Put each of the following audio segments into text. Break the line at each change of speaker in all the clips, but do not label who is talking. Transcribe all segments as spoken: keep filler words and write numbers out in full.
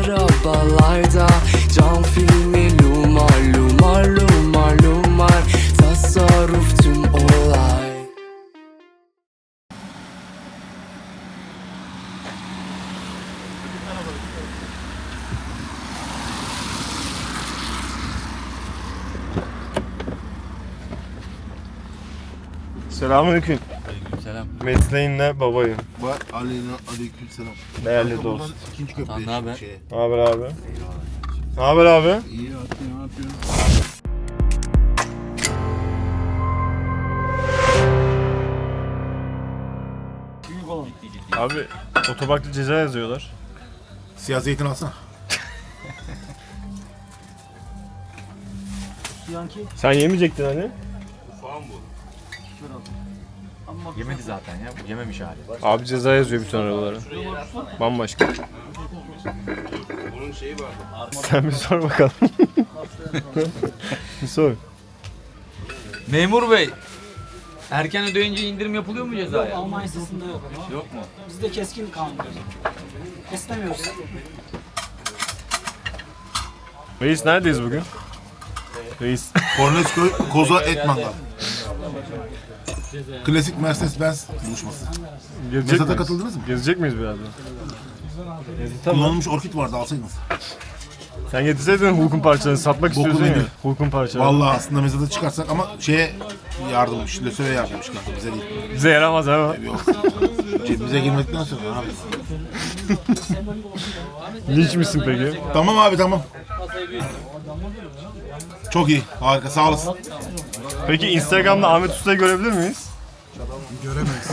arabalarda. Cam filmi lumar lumar lumar lumar. Tasarruf tüm olay.
Selamünaleyküm.
Aleykümselam.
Mesleğin ne babayım?
Var aleyna aleykümselam.
Değerli dost.
İkinci köprü.
Lan ne haber?
Şey.
Ne haber abi? Ne haber abi?
İyi Hakkı, ne yapıyorsun?
Abi otoparkta ceza yazıyorlar.
Siyah zeytin alsana.
Sen yemeyecektin hani?
Yemedi zaten ya. Yememiş hali.
Abi ceza yazıyor bütün arabalara. Bambaşka.
Bunun şeyi var.
Sen bir sor bakalım. Bir sor.
Memur bey, erken ödeyince indirim yapılıyor mu cezaya?
Alman yasasında yok.
Yok mu?
Bizde keskin kanundur. Esnemiyoruz.
Reis neredeyiz bugün? Reis.
Kornetköy Koza Et Mangal. Klasik Mercedes-Benz buluşması.
Gezecek
Mesat'a
miyiz?
katıldınız mı?
Gezecek miyiz birazdan?
Kullanılmış orkid vardı, alsaydınız.
Sen getirseydin Hulk'un parçalarını satmak
Bokunu
istiyorsun ya.
yedik.
Hulk'un parçalarını.
Vallahi aslında Mesat'a çıkarsak ama şeye yardımmış, Lösö'ye yardımmış kanka, bize değil.
Bize yaramaz ama.
Yok. Cebimize girmekten sonra abi.
Linç misin peki?
Tamam abi, tamam. Çok iyi, harika, sağ olasın.
Peki Instagram'da Ahmet Usta'yı görebilir miyiz?
Göremeyiz.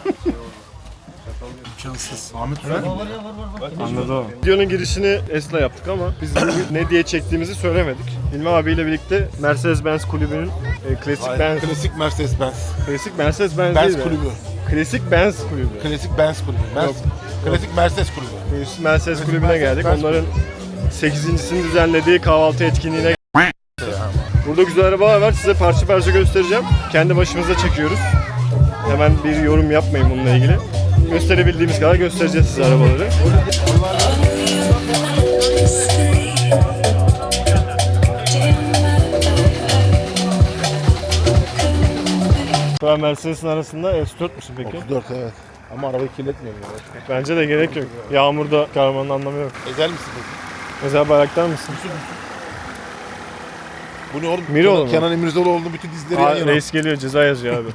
İmkansız. Ahmet Usta.
Anladım. Videonun girişini Es'la yaptık ama biz bugün ne diye çektiğimizi söylemedik. İlmi abiyle birlikte Mercedes-Benz kulübünün e, klasik Benz,
Klasik Mercedes-Benz.
klasik Mercedes-Benz
Benz
değil de,
kulübü.
Klasik Benz kulübü.
Klasik Benz kulübü. Benz, klasik Mercedes kulübü.
Klasik Mercedes kulübüne
Mercedes
geldik.
Benz
Onların sekizincisini düzenlediği kahvaltı etkinliğine. Burada güzel arabalar var. Size parça parça göstereceğim. Kendi başımıza çekiyoruz. Hemen bir yorum yapmayın bununla ilgili. Gösterebildiğimiz kadar göstereceğiz size arabaları. Ben Mercedes'in arasında S dört müsün peki?
otuz dört, evet. Ama arabayı kirletmiyorum. Ya.
Bence de gerek yok. Yağmurda karmanın anlamı yok.
Ezel misin peki?
Mesela bayraktar mısın?
Bu ne oğlum?
Miroğlu
Kenan,
mu?
Kenan İmirzalıoğlu'nun bütün dizileri yan
Aa,
yana.
reis geliyor, ceza yazıyor abi.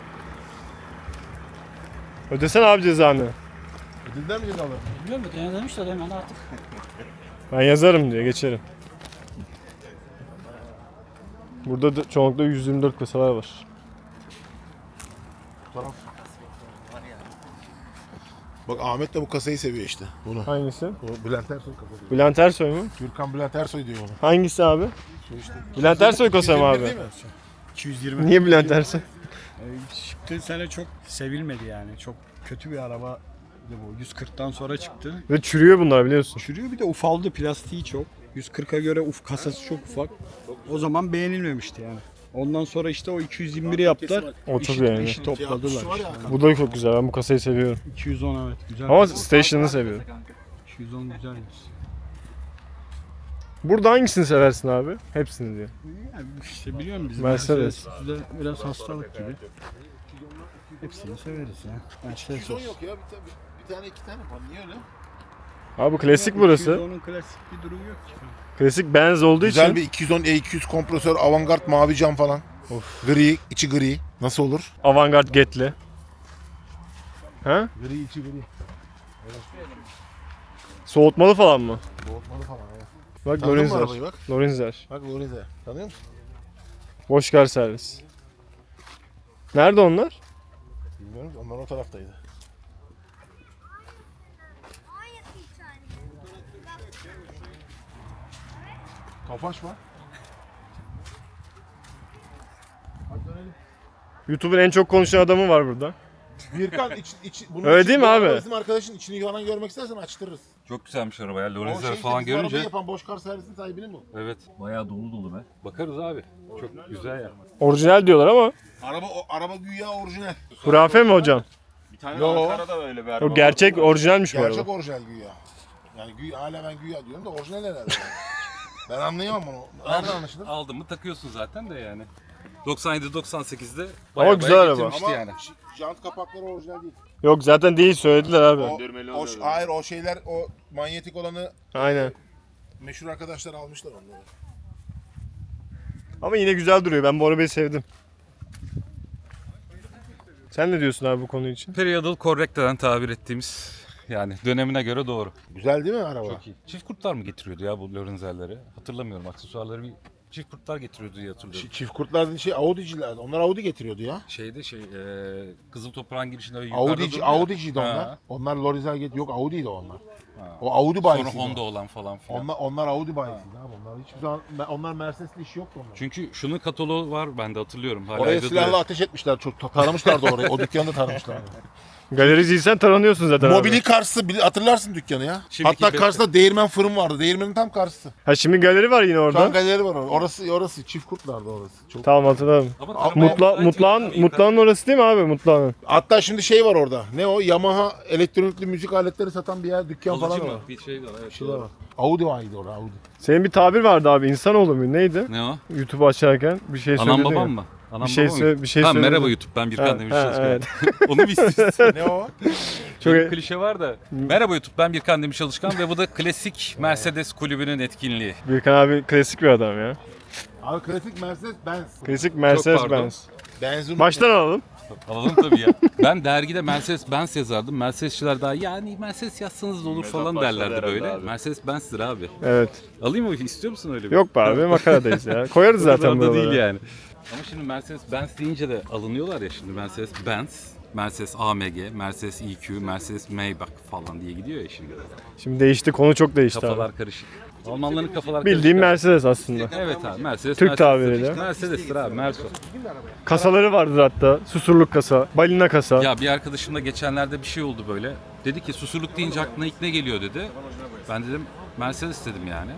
Ödesene abi cezanı.
Dilden mi cezalı?
Biliyor musun? Denemiş de hemen artık.
Ben yazarım diye geçerim. Burada da çoğunlukla yüz yirmi dört kasalar var.
Bak Ahmet de bu kasayı seviyor işte. Bunu.
Hangisi?
O Bülent Ersoy kasası.
Bülent Ersoy mu?
Gürkan Bülent Ersoy diyor onu.
Hangisi abi?
Şu işte.
Bülent Ersoy kasa mı abi?
Değil mi?
iki yüz yirmi.
Niye Bülent Ersoy?
Ee, Çıktığı sene çok sevilmedi yani. Çok kötü bir araba bu. yüz kırktan sonra çıktı.
Ve çürüyor bunlar biliyorsun.
Çürüyor, bir de ufaldı, plastiği çok. yüz kırka göre uf kasası çok ufak. O zaman beğenilmemişti yani. Ondan sonra işte o iki yüz yirmi biri yaptılar.
O çok
İşi,
beğendim.
işi topladılar.
Şu var ya,
işte.
Bu da çok güzel. Ben bu kasayı seviyorum.
iki yüz on, evet, güzel.
Ama Station'ı seviyorum.
iki yüz on güzelmiş.
Burada hangisini seversin abi? Hepsini diyor.
Yani işte biliyorum biz.
Mercedes.
Bizde biraz hastalık gibi. Hepsini severiz ya. Mercedes
Son
olsun.
yok ya. Bir, tane, bir tane iki tane var. Niye öyle?
Abi klasik burası.
iki yüz onun klasik bir durumu yok ki.
Klasik Benz olduğu
Güzel
için.
bir iki yüz on E iki yüz kompresör, avantgard mavi cam falan.
Of.
Gri, içi gri. Nasıl olur?
Avantgard Get'li. Ha?
Gri, içi gri.
Soğutmalı falan mı?
Boğutmalı falan ya.
Bak
Tanıdın mı
Lorenzer.
arabayı bak?
Lorenzer.
Bak Lorenze. Tanıyor musun?
Boş kar servis. Nerede onlar?
Bilmiyorum. Onlar o taraftaydı. Tofaş var. Hadi dönelim.
YouTube'un en çok konuşan adamı var burada.
Birkan iç, iç, bunun
Öyle
içi-
değil mi
bu
abi?
araba Bizim arkadaşın içini falan görmek istersen açtırırız.
Çok güzelmiş araba ya.
O
Lorenzer
şey
falan
işte, bizim arabayı
görünce.
yapan Boşkar servisinin sahibinin bu.
Evet. Bayağı dolu dolu be. Bakarız abi. Çok güzel ya.
Orijinal diyorlar ama
Araba o, araba güya orijinal.
hurafe mi hocam?
Bir tane
Yo.
Ankara'da öyle bir araba.
O gerçek orijinalmiş bu
Gerçek
araba.
orijinal güya. Yani güya, hala ben güya diyorum da orijinal herhalde. Yani. Ben anlayamam onu. Nereden anlaşılır?
Aldın mı takıyorsun zaten de yani. doksan yedi doksan sekizde
Ama güzel araba.
Ama
yani.
j- jant kapakları orijinal değil.
Yok zaten değil söylediler abi.
O, o, ş- hayır o şeyler o manyetik olanı
Aynen.
meşhur arkadaşlar almışlar onları.
Ama yine güzel duruyor. Ben bu arabayı sevdim. Sen ne diyorsun abi bu konu için?
Periodal correct denen tabir ettiğimiz yani dönemine göre doğru.
Güzel değil mi araba?
Çok iyi. Çift kurtlar mı getiriyordu ya bu Lorenzelleri? Hatırlamıyorum. Aksesuarları bir çift kurtlar getiriyordu diye hatırlıyorum.
Ç- Çift kurtlar dediğin şey Audi'cilerdi. Onlar Audi getiriyordu ya.
Şeyde şey e, Kızıl Toprağın girişinde öyle
Audi'ci,
yukarıda durdu ya.
Audi'ciydi onlar.
Ha.
Onlar Lorenzel get yok Audi'ydi onlar. O Audi
Sonra
bayisiydi.
Honda olan falan filan.
Onlar, onlar Audi bayisiydi abi. Onlar hiçbir zaman onlar Mercedes'li işi yoktu onlar.
Çünkü şunun kataloğu var bende hatırlıyorum. Hala
Oraya
evde
silahla
duruyor.
ateş etmişler. Çok ta- taramışlardı orayı. O dükkanı da taramışlardı.
Galericiysen taranıyorsun zaten
Mobili
abi.
karşısı bili- hatırlarsın dükkanı ya.
Şimdiki
Hatta
de-
karşısında değirmen fırın vardı. Değirmenin tam karşısı.
Ha şimdi galeri var yine
Şu an
orada.
galeri var orada. Orası orası çift kurtlardı orası. Çok.
Tamam hatırladım.
Ama
Mutla-
Mutla, mutlağın, mutlağın orası değil mi abi? Mutlağın.
Hatta şimdi şey var orada. Ne o? Yamaha elektronikli müzik aletleri satan bir yer dükkan
Alıcı
falan
mı?
var.
Bir şey var evet.
Bir şey var. Audi vardı orada Audi.
Senin bir tabir vardı abi. İnsanoğlu mu? Neydi?
Ne o?
YouTube açarken bir şey söyledin.
Anam
ya.
babam mı? Anam
Bir şey
babam mı?
söyle- bir şey
ha,
söyledin.
merhaba YouTube ben Birkan
Ha,
Demirci
ha,
Çalışkan.
evet.
Onu mu istiyorsun?
Ne o?
Çok
Bir klişe var da. Merhaba YouTube ben Birkan Demirci Çalışkan ve bu da klasik Mercedes kulübünün etkinliği.
Birkan abi klasik bir adam ya.
Abi klasik Mercedes Benz.
Klasik Mercedes
pardon.
Benz.
Benzin.
Baştan alalım.
Alalım tabii ya. Ben dergide Mercedes Benz yazardım. Mercedesçiler daha yani Mercedes yazsanız da olur falan derlerdi böyle. Mercedes Benz'tir abi.
Evet.
Alayım mı? İstiyor musun öyle bir?
Yok be abi makaradayız ya. Koyarız
O kadar
zaten
da
buralara.
değil yani. Ama şimdi Mercedes Benz deyince de alınıyorlar ya şimdi Mercedes Benz, Mercedes A M G, Mercedes E Q, Mercedes Maybach falan diye gidiyor ya şimdi.
Şimdi değişti, konu çok değişti abi.
Kafalar karışık. Almanların kafalar
Bildiğim
karışık.
Mercedes aslında.
Evet abi Mercedes.
Türk
Mercedes'tir
tabiriyle.
işte. Mercedes'tir abi Merso.
Kasaları vardır hatta. Susurluk kasa, balina kasa.
Ya bir arkadaşımla geçenlerde bir şey oldu böyle. Dedi ki susurluk deyince aklına ilk ne geliyor dedi. Ben dedim Mercedes dedim yani.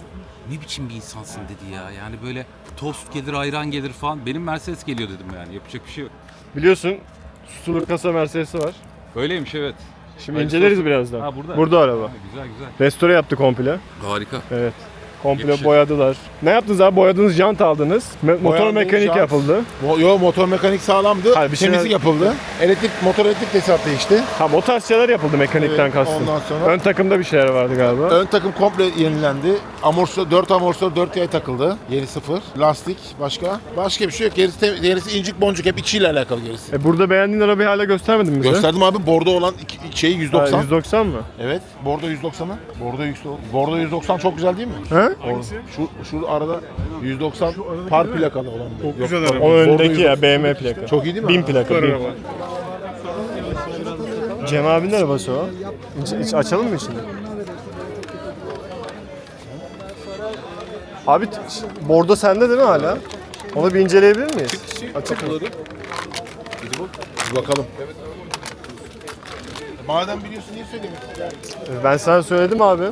Ne biçim bir insansın dedi ya. Yani böyle tost gelir, ayran gelir falan. Benim Mercedes geliyor dedim yani. Yapacak bir şey yok.
Biliyorsun susurluk kasa Mercedes'i var.
Öyleymiş evet.
Şimdi
Hayırlısı
inceleriz
olsun.
birazdan.
Ha, burada.
Burada araba.
Ha, güzel güzel.
Restore yaptı komple.
Harika.
Evet. Komple
Yakışır.
boyadılar. Ne yaptınız abi? Boyadınız, jant aldınız. Me- motor
Boyandı,
mekanik
jant.
yapıldı.
Mo- Yo motor mekanik sağlamdı.
Hayır, bir şeyler-
Temizlik yapıldı. Elektrik motor elektrik tesisat değişti.
Ha o tarz şeyler yapıldı mekanikten
Evet,
kastım.
ondan sonra-
Ön takımda bir şeyler vardı galiba.
Ön takım komple yenilendi. Amortisör dört amortisör dört yay takıldı. Yeni sıfır. Lastik başka. Başka bir şey yok. Gerisi, te- gerisi incik boncuk hep içiyle alakalı gerisi.
E burada beğendiğin arabayı hala göstermedin mi bize?
Gösterdim abi bordo olan iki, şeyi yüz
Ha,
doksan.
yüz doksan mı?
Evet. Bordo yüz doksanı. Bordo yüz doksan. Bordo yüz doksan çok güzel değil mi?
Ha?
Şu şu arada yüz doksan par plakalı olan. Çok güzel araba.
O öndeki ya B M plaka.
Çok iyi değil mi?
bin plaka. bin. Cem abinin arabası o. İç, iç- açalım mı içini? Abi t- ş- bordo sende değil mi hala? Onu bir inceleyebilir miyiz? Açık mı?
Bir bakalım. Madem biliyorsun niye söylemiyorsun?
Ben sana söyledim abi.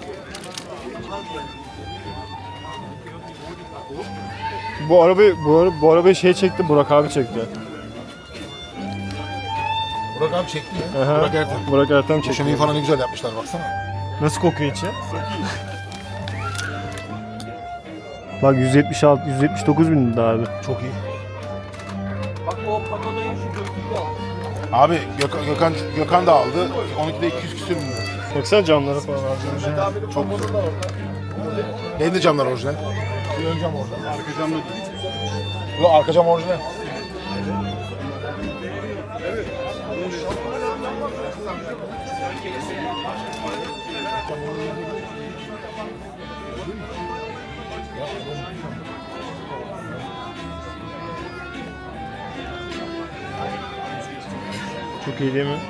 Bu arabayı bu, ara- bu arabayı şey çekti, Burak abi çekti.
Burak abi çekti ya.
Aha.
Burak Ertem.
Burak Ertem çekti.
Döşemeyi falan ne güzel yapmışlar baksana.
Nasıl kokuyor içi? Bak yüz yetmiş altı yüz yetmiş dokuz bin lira abi.
Çok iyi.
Bak o papadayı şu gözlüğü al.
Abi Gökhan, Gökhan, Gökhan da aldı. onunkide iki yüz küsür bin lira.
Baksana camları falan abi.
Çok güzel. Benim de camlar orijinal. Bir ön cam orijinal. Arka cam da Yok arka cam orijinal.
Çok iyi değil mi?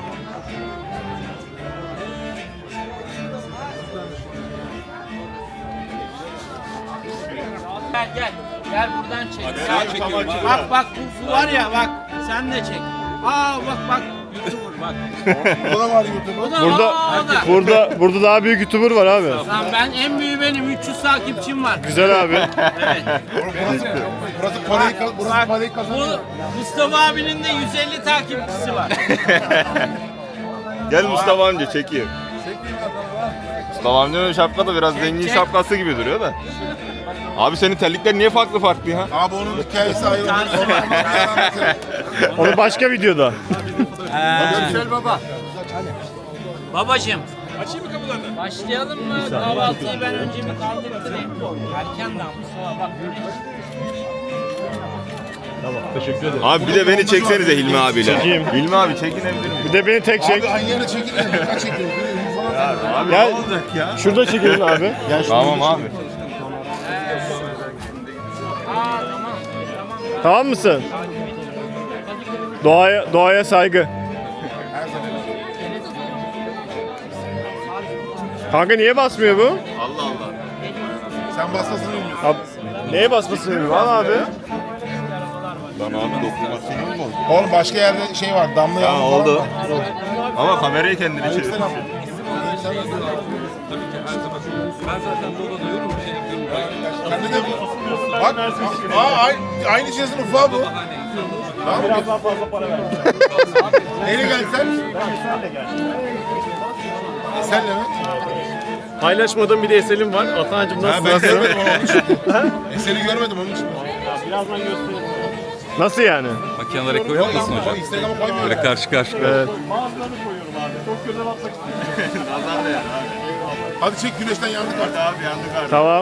Gel gel. Gel buradan çek.
Sen
Gel.
çekiyorum abi.
Bak bak bu, bu var ya bak. Sen de çek. Aa bak bak. YouTuber bak.
O da var YouTube'da.
O da,
Burada
aa, o da.
burada burada daha büyük YouTuber var abi.
Lan ben en büyüğü benim. üç yüz takipçim var.
Güzel abi.
Burası parayı, ka- burası
Bak
parayı kazanıyor.
bu Mustafa abinin de yüz elli takipçisi var.
Gel Mustafa amca çekeyim. Babamın şapka da biraz zengin şapkası gibi duruyor da. Abi senin terlikler niye farklı farklı ya?
Abi onun hikayesi ayrı. Onu anlatırım.
Onu başka videoda.
Güzel baba.
Babacım. Açayım mı kapılarını? Başlayalım mı? Kahvaltıyı ben önce bir kaldırtırayım. Erken daha Mustafa bak.
Abi bir de beni çeksenize Hilmi abiyle.
Çekeyim.
Hilmi abi çekinebilir miyim?
Bir de beni tek çek.
Abi aynı yere çekilir. Dikkat çekilir.
Abi
Gel.
ne olacak ya?
Şurada çekelim abi.
Gel şunu
Tamam abi.
Tamam mısın? Doğaya doğaya saygı. Kanka niye basmıyor bu?
Allah Allah.
Sen basmasını bilmiyorsun.
Abi, neye basmasını bilmiyorum al abi.
Lan abi dokunmasın olmaz.
Oğlum başka yerde şey var. Damla
Ya
yağmur falan
oldu.
var.
Ama kamerayı kendine çevir.
Aleykümselam.
Ben zaten bu odada yorum bir şey yapıyorum.
Sen de bak. Aa, aynı, aynı cihazın ufağı bu.
Biraz daha fazla para ver.
Neyle gelsen? Esenle mi?
Paylaşmadığım bir de Esel'im var. Atancım
Ha,
nasıl?
ben
nasıl?
görmedim onun için. Eser'i görmedim onun için.
Birazdan göstereyim. Nasıl yani?
Makineleri koyar mısın hocam?
Instagram'a koymuyor.
Böyle karşı karşıya.
Evet.
Hadi çek güneşten yandık artık.
Abi yandık abi.
Tamam.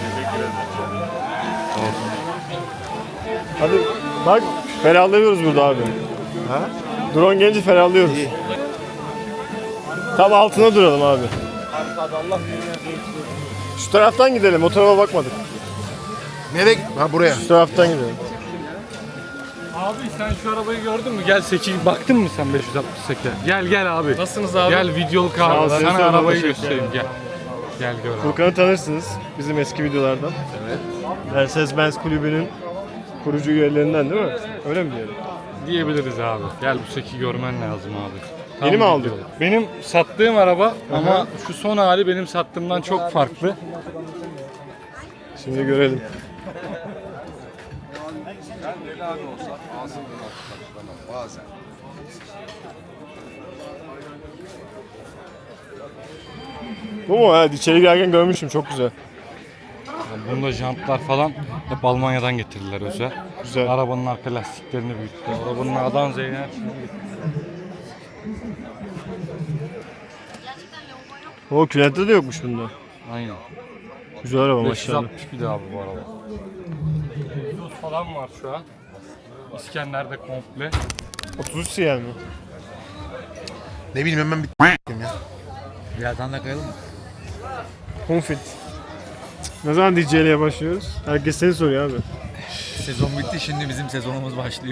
Hadi bak ferahlıyoruz burada abi. Ha? Drone gelince ferahlıyoruz. Tam altına duralım abi. Şu taraftan gidelim. O tarafa bakmadık.
Nereye? Ha buraya.
Şu taraftan gidelim.
Abi sen şu arabayı gördün mü? Gel Seki baktın mı sen beş yüz altmış sekize? Gel gel abi. Nasılsınız abi? Gel videoluk
Sağ ol,
abi.
seni
Sana
sormadım,
arabayı
teşekkür
göstereyim gel. Gel gör abi.
Furkan'ı tanırsınız bizim eski videolardan. Evet. Mercedes-Benz kulübünün kurucu üyelerinden değil mi? Öyle mi diyelim?
Diyebiliriz abi. Gel bu Seki görmen lazım abi.
Yeni mi aldın?
videoluk. Benim sattığım araba ama şu son hali benim sattığımdan çok farklı.
Şimdi görelim. Bu mu? Evet, içeri girerken görmüştüm. Çok güzel.
Yani bunda jantlar falan hep Almanya'dan getirdiler özel.
Güzel.
Arabanın arka lastiklerini büyüttü. Arabanın A'dan Z'ye her şeyini getirdi.
O külente de yokmuş bunda.
Aynen.
Güzel araba
beş yüz
maşallah.
altmış bir de abi bu araba. Windows falan var şu an. İskender'de komple.
otuz üç C L mi?
Ne bileyim hemen bir ya.
Birazdan da kayalım mı?
Confit. Ne zaman D J'liğe başlıyoruz? Herkes seni soruyor abi.
Sezon bitti, şimdi bizim sezonumuz başlıyor.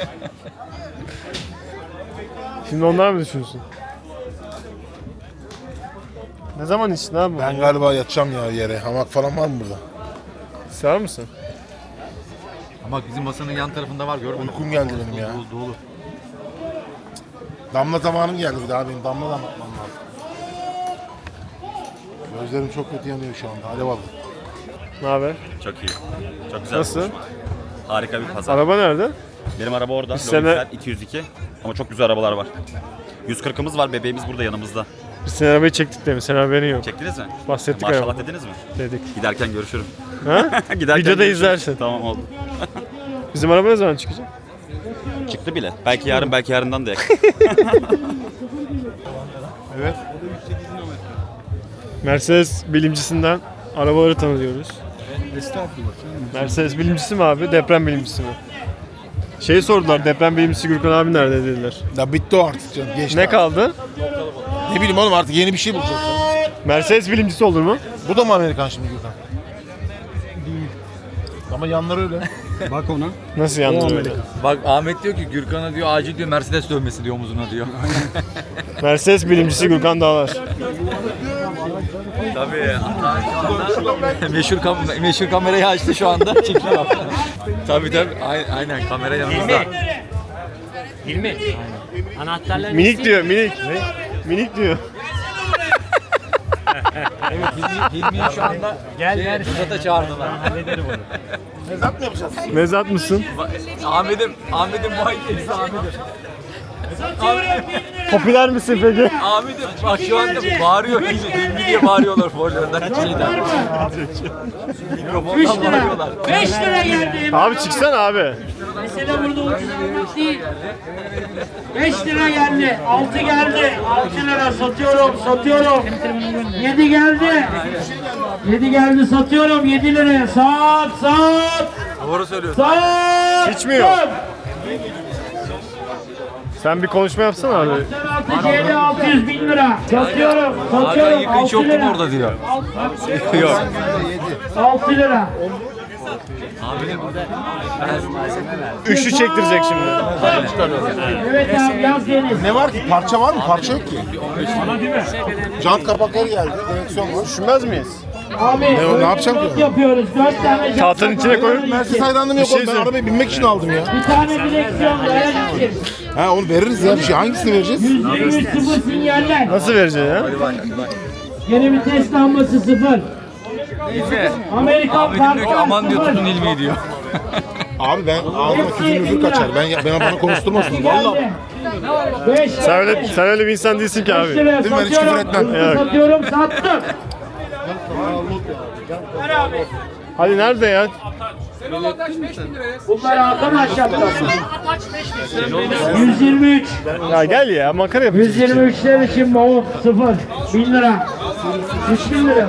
Şimdi onlar mı düşünsün? Ne zaman içtin abi?
Ben galiba yatacağım ya yere. Hamak falan var mı burada?
Sağ mısın?
Ama bizim masanın yan tarafında var, görmedin mi?
Uykum geldi benim ya.
Dolu dolu.
Damla zamanım geldi bir daha benim. Damla da anlatmam lazım. Gözlerim çok kötü yanıyor şu anda. Alev aldı.
Ne haber?
Çok iyi. Çok güzel.
Nasıl?
bir buluşma. Harika bir pazar.
Araba nerede?
Benim araba orada.
Bir sene-
Logisel iki yüz iki. Ama çok güzel arabalar var. yüz kırkımız var. Bebeğimiz burada yanımızda.
Biz senin arabayı çektik değil mi? Senin haberin yok.
Çektiniz mi?
Bahsettik
Maşallah
araba.
dediniz mi?
Dedik.
Giderken görüşürüm.
Ha?
Giderken
Videoda
görüşürüz.
izlersin.
Tamam oldu.
Bizim araba ne zaman çıkacak?
Çıktı bile. Belki yarın, belki yarından da yak.
Evet.
Mercedes bilimcisinden arabaları tanıyoruz. Mercedes bilimcisi mi abi? Deprem bilimcisi mi? Şey sordular, deprem bilimcisi Gürkan abi nerede dediler.
Ya bitti o artık canım. Geçti
Ne
artık.
kaldı?
Ne bileyim oğlum artık yeni bir şey bulacağız.
Mercedes bilimcisi olur mu?
Bu da mı Amerikan şimdi Gürkan? Değil. Ama yanları öyle.
Bak ona.
Nasıl yandı öyle?
Bak Ahmet diyor ki Gürkan'a diyor acil diyor Mercedes dövmesi diyor omuzuna diyor.
Mercedes bilimcisi Gürkan Dağlar.
Tabii. meşhur, kam meşhur kamerayı açtı şu anda. Çekiyor. Tabii tabii. Aynen, aynen kamera yanımızda.
Hilmi. Anahtarlarını
Minik diyor, minik. Minik diyor.
Evet Hilmi, Hilmi'yi şu anda gel Fırat'a çağırdılar.
hallederim onu.
Mezat mı yapacağız?
Mezat mısın?
Ahmet'im, Ahmet'im muayyenesi Ahmet'im.
Satıyorum bin lira.
Popüler misin peki?
Abi de bak şu anda bağırıyor. Hilmi diye bağırıyorlar forlarından.
Var mı? üç
Mikrofondan
lira.
bağırıyorlar.
beş lira geldi.
Abi çıksana abi.
Mesele burada ucuz almak değil. beş lira geldi. altı geldi. altı lira satıyorum, satıyorum. yedi geldi. yedi geldi satıyorum yedi liraya. Sat, sat.
Doğru söylüyorsun.
Sat.
Hiç mi yok? Sen bir konuşma yapsana abi.
altı C L altı yüz bin lira. Satıyorum,
Hakan
satıyorum.
yıkayıcı
altı
yok mu
lira.
orada diyor.
Yok.
altı lira.
Üçlü çektirecek şimdi.
Evet abi yaz deniz.
Ne var ki? Parça var mı? Parça yok ki. Jant kapakları geldi. Direksiyon var.
Düşünmez miyiz?
Abi
Ne- ne yapacağım ki?
yapıyoruz. dört tane jant
Tahtanın içine
kapağı.
koyup
Mercedes hayranlığım yok
Bir şey
oğlum. Ben
söyle-
arabaya binmek için aldım ya.
Bir tane direksiyon dayan için.
Ha onu veririz ya bir şey. Hangisini vereceğiz?
yüz yirmi üç sıfır sinyaller.
Nasıl vereceksin ya?
Geri vites lambası sıfır. Amerikan
Ahmet'im diyor ki
farkı
aman diyor
sıfır.
tutun ilmiyi diyor.
Abi ben ağzıma küfür müfür kaçar. Ben bana bana konuşturmasın. Valla.
beş
Sen öyle, sen öyle bir insan değilsin ki abi.
Değil mi? Ben hiç küfür etmem.
Evet.
Satıyorum, sattım.
Hadi nerede ya?
Bunlar arkadaşlar. yüz yirmi üç.
Ya gel ya makara yapıyorsun.
yüz yirmi üçler için mavuk sıfır. bin lira. üç bin lira.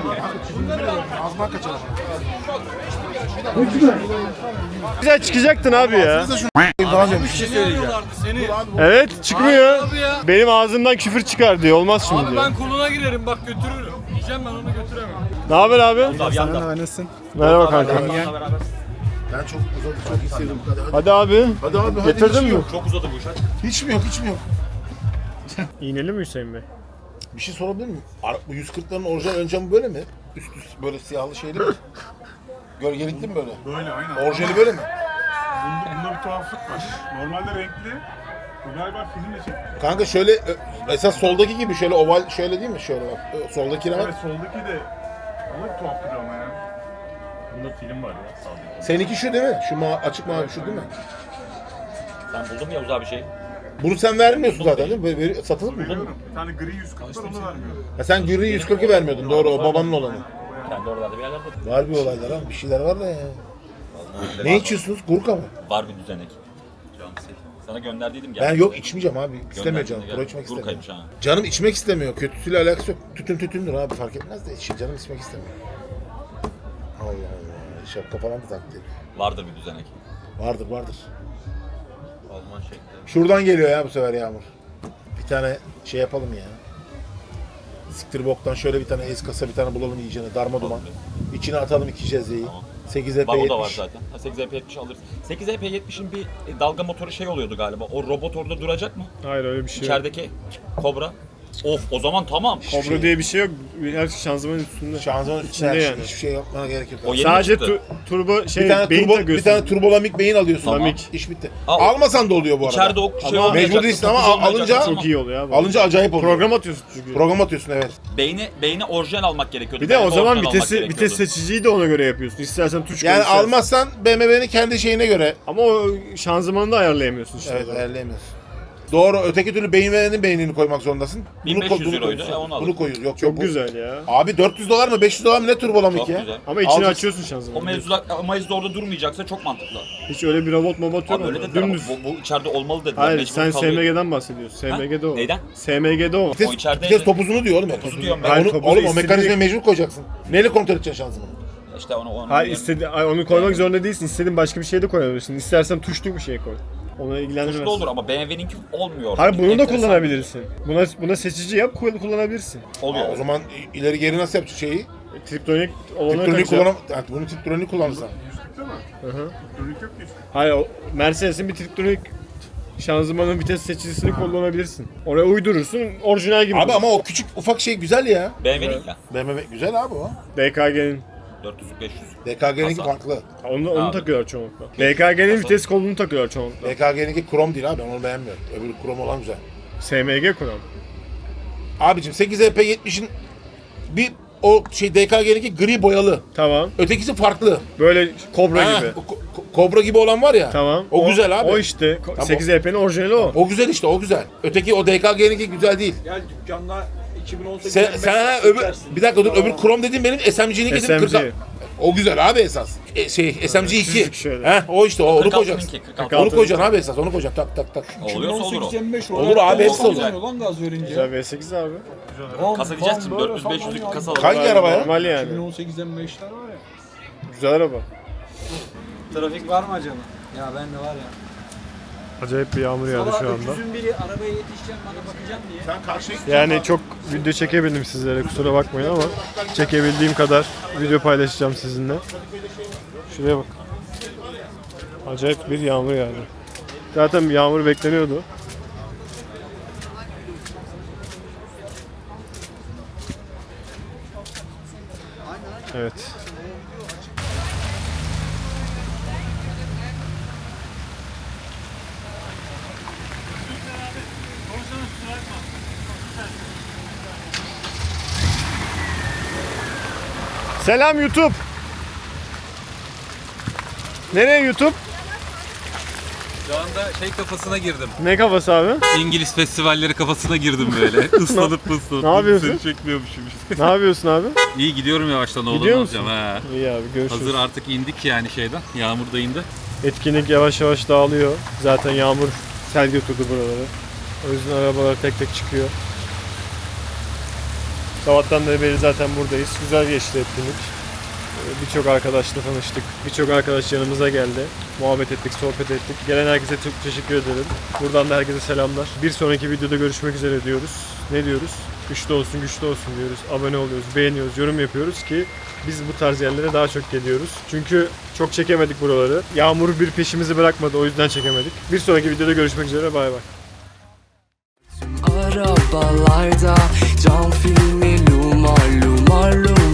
üç mü?
Güzel çıkacaktın abi ya.
Daha önce
Bir şey söyleyeceğim.
Evet çıkmıyor. Benim ağzımdan küfür çıkar diyor. Olmaz şimdi diyor.
koluna girerim bak götürürüm. Diyeceğim ben onu götüremem.
Ne haber abi? Merhaba kanka.
Ben çok uzadı çok istedim. Hadi, hadi.
Hadi abi.
Hadi abi hadi.
Getirdin
hiç
mi?
Yok.
Çok uzadı bu iş. hadi.
Hiç mi yok hiç mi yok?
İğneli mi Hüseyin Bey?
Bir şey sorabilir miyim? Ara- Bu yüz kırkların orijinal ön camı böyle mi? Üst üst böyle siyahlı şeyli mi? Gölgelikli mi böyle?
Böyle aynen.
Orijinali böyle mi?
Bunda, bunda bir tuhaflık var. Normalde renkli. Bu galiba filmle çekti.
Kanka şöyle ö- esas soldaki gibi şöyle oval şöyle değil mi? Şöyle bak. Ö, Soldakine bak.
Evet soldaki de ama bir tuhaf duruyor ama ya. Bunda film var ya sağda.
Seninki şu değil mi? Şu ma açık mavi şu değil mi?
Sen buldun mu Yavuz abi şey?
Bunu sen vermiyorsun zaten değil mi? Böyle veri- satılır mı?
Veriyorum. Bir tane gri yüz kırk var onu vermiyorum.
Ha sen gri yüz kırkı vermiyordun doğru o babanın olanı.
Kendi oralarda bir yerlerde
Var bir olaylar ha bir şeyler var da ya. Ne içiyorsunuz? Gurka mı?
var bir düzenek. Sana gönderdiydim gel.
Ben yok içmeyeceğim abi. İstemiyor canım.
Gönderdim
Pro
de
içmek
gel.
istemiyor.
Gurkaymış ha.
Canım içmek istemiyor. Kötüsüyle alakası yok. Tütün tütündür abi fark etmez de içi canım içmek istemiyor. Allah Allah. Şapka falan da taktı.
Vardır bir düzenek.
Vardır vardır.
Alman şekli.
Şuradan geliyor ya bu sefer Yağmur. Bir tane şey yapalım ya. Siktir boktan şöyle bir tane ez kasa bir tane bulalım iyicene darma duman. İçine atalım iki cezveyi. sekiz E P
Var o da var
yetmiş.
zaten. Ha, sekiz E P yetmiş alırız. sekiz E P yetmişin bir e, dalga motoru şey oluyordu galiba. O robot orada duracak mı?
Hayır öyle bir şey yok.
İçerideki Kobra. Of o zaman tamam.
Kobra diye bir şey yok. Her şey şanzımanın üstünde.
Şanzıman üstünde
İçinde
her şey.
yani.
Hiçbir şey yapmana gerek yok.
O yeni
Sadece
çıktı.
tu- turbo şey
bir tane
beyin
turbo, bir
takıyorsun.
tane turbolamik beyin alıyorsun.
Tamam.
İş bitti.
Aa, o-
Almasan da oluyor bu arada.
İçeride o şey
Ama
olmayacak.
mecbur değilsin ama
tutucu
al-
olmayacak.
alınca-
Tamam.
Çok iyi oluyor abi.
Alınca acayip oluyor.
Program atıyorsun çünkü.
Program atıyorsun evet.
Beyni, beyni orijinal almak gerekiyordu.
Bir de o
Beyni
zaman
orijinal
vitesi
almak
vites
gerekiyordu.
seçiciyi de ona göre yapıyorsun. İstersen tuş koy.
Yani
istersen-
almazsan B M W'nin kendi şeyine göre
Ama o şanzımanı da ayarlayamıyorsun işte.
evet ayarlayamıyorsun. Doğru öteki türlü B M W'nin beynini koymak zorundasın.
bin beş yüz
koy-
euroydu,
koy-
e, onu
Bunu
alırım.
koyuyoruz. Yok
Çok
yok, bu-
güzel ya.
Abi dört yüz dolar mı beş yüz dolar mı ne turbolamik
Çok
ya?
güzel.
Ama içini
Alacak-
açıyorsun
O
şanzımanı.
mevzular ama orada durmayacaksa çok mantıklı.
Hiç öyle bir robot mobot yok.
Abi öyle
ama.
dediler ama
Dümdüz.
bu, bu içeride olmalı dediler.
Hayır
mecbur
sen
kalıyor.
S M G'den bahsediyorsun. S M G'de o.
Neyden?
S M G'de o.
Vites,
O içeride-
vites topuzunu diyor oğlum.
Topuzu diyorum ben.
Ya
Hayır,
onu,
topuzu
oğlum o
istediği-
mekanizmayı mecbur koyacaksın. Neyle kontrol edeceksin şanzımanı?
İşte onu onu.
Hayır istedi, ay, onu koymak zorunda değilsin. İstediğin başka bir şey de koyabilirsin. İstersen tuşlu bir şey koy. Ona ilgilendirmez.
Tuşlu olur ama B M W'ninki olmuyor.
Hayır bunu da
Enteresan.
kullanabilirsin. Buna buna seçici yap kull- kullanabilirsin.
Oluyor.
Aa, o zaman ileri geri nasıl yapacak şeyi?
Triptonik olanı
Triptronik
takacak.
kullanam... Evet, bunu triptronik kullanırsan.
Hı hı.
Triptronik yok ki.
Hayır o Mercedes'in bir triptonik şanzımanın vites seçicisini kullanabilirsin. Oraya uydurursun orijinal gibi.
Abi
olur.
ama o küçük ufak şey güzel ya.
B M W'nin ya.
B M W güzel abi o.
D K G'nin.
dört yüz beş yüz.
D K G'ninki
Hasan.
farklı.
Onu, onu
Abi.
takıyorlar çoğunlukla. D K G'nin vites kolunu takıyorlar çoğunlukla.
D K G'ninki krom değil abi ben onu beğenmiyorum. Öbürü krom olan güzel.
S M G kuran.
Abicim sekiz E P yetmişin bir o şey D K G'ninki gri boyalı.
Tamam.
Ötekisi farklı.
Böyle kobra
Ha,
gibi.
ko- ko- kobra gibi olan var ya.
Tamam.
O, güzel abi.
O işte.
Tamam.
sekiz E P'nin orijinali o.
O güzel işte, o güzel. Öteki o D K G'ninki güzel değil.
Gel dükkanda iki bin on sekiz
Sen, sen ha, öbür, bir dakika dur, öbür Chrome dediğim benim S M G'nin
S
dedim
M G.
kırk. O güzel abi esas. E, şey S M G iki.
Çizik şöyle.
He, o işte o, onu
kırk
koyacaksın.
altınınki, kırk altı.
Onu koyacaksın abi esas, onu koyacaksın tak tak tak.
Oluyorsa olur o.
Olur abi, hepsi olur.
Lan gaz verince.
Güzel V sekiz abi.
Kasa diyeceksin dört yüz beş yüzlük kasa alalım.
Hangi araba ya?
Normal yani.
iki bin on sekiz M beşler var ya.
Güzel araba.
Trafik var mı acaba? Ya ben de var ya.
Acayip bir yağmur yağdı şu anda.
Öküzün biri arabaya yetişeceğim bana bakacağım diye.
Sen karşıya
Yani çok video çekebildim sizlere, kusura bakmayın ama çekebildiğim kadar video paylaşacağım sizinle. Şuraya bak. Acayip bir yağmur yağdı. Zaten yağmur bekleniyordu. Evet. Selam YouTube. Nereye YouTube?
Şu anda şey kafasına girdim.
Ne kafası abi?
İngiliz festivalleri kafasına girdim böyle. Islanıp ıslanıp.
Ne yapıyorsun?
Seni çekmiyormuşum işte.
Ne yapıyorsun abi?
İyi gidiyorum yavaştan oğlum.
Gidiyor musun?
alacağım, ha.
İyi abi, görüşürüz.
Hazır artık indik yani şeyden. Yağmur da indi.
Etkinlik yavaş yavaş dağılıyor. Zaten yağmur sel götürdü buraları. O yüzden arabalar tek tek çıkıyor. Sabahtan beri beri zaten buradayız. Güzel geçti etkinlik. Ee, Birçok arkadaşla tanıştık. Birçok arkadaş yanımıza geldi. Muhabbet ettik, sohbet ettik. Gelen herkese çok teşekkür ederim. Buradan da herkese selamlar. Bir sonraki videoda görüşmek üzere diyoruz. Ne diyoruz? Güçlü olsun, güçlü olsun diyoruz. Abone oluyoruz, beğeniyoruz, yorum yapıyoruz ki biz bu tarz yerlere daha çok geliyoruz. Çünkü çok çekemedik buraları. Yağmur bir peşimizi bırakmadı, o yüzden çekemedik. Bir sonraki videoda görüşmek üzere, bay bay.
Arabalarda cam filmi lumar lumar lumar